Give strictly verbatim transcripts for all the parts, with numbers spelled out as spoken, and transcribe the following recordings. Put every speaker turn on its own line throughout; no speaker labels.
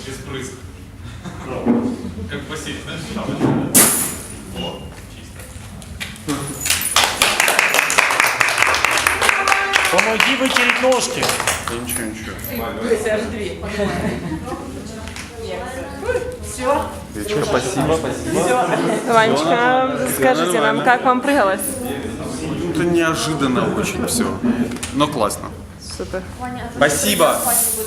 Без брызг. Как в бассейне, знаешь, там. О, чисто.
Помоги вытереть ножки.
Ничего, ничего.
То есть аж две. Все.
Вечер, спасибо. Спасибо.
Ванечка, скажите нам, как вам прыгалось?
Ну, это неожиданно очень все. Но классно.
Супер.
Спасибо.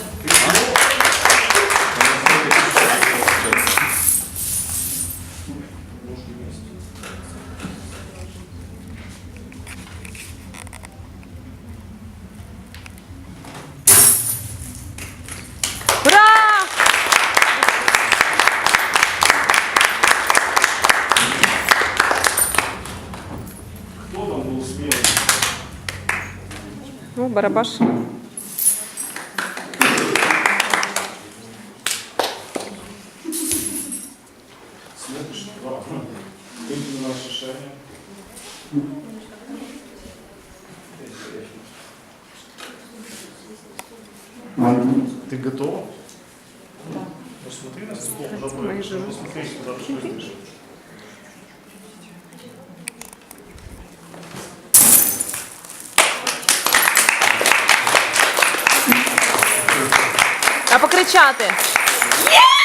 Ура!
Кто там был смелый?
Ну, барабаш.
Смотришь, да. Выйди на наше шарение. Ты готова? Да. Посмотри на стол,
Мои живы.
посмотри, куда ты прыгаешь.
А покричати? Є!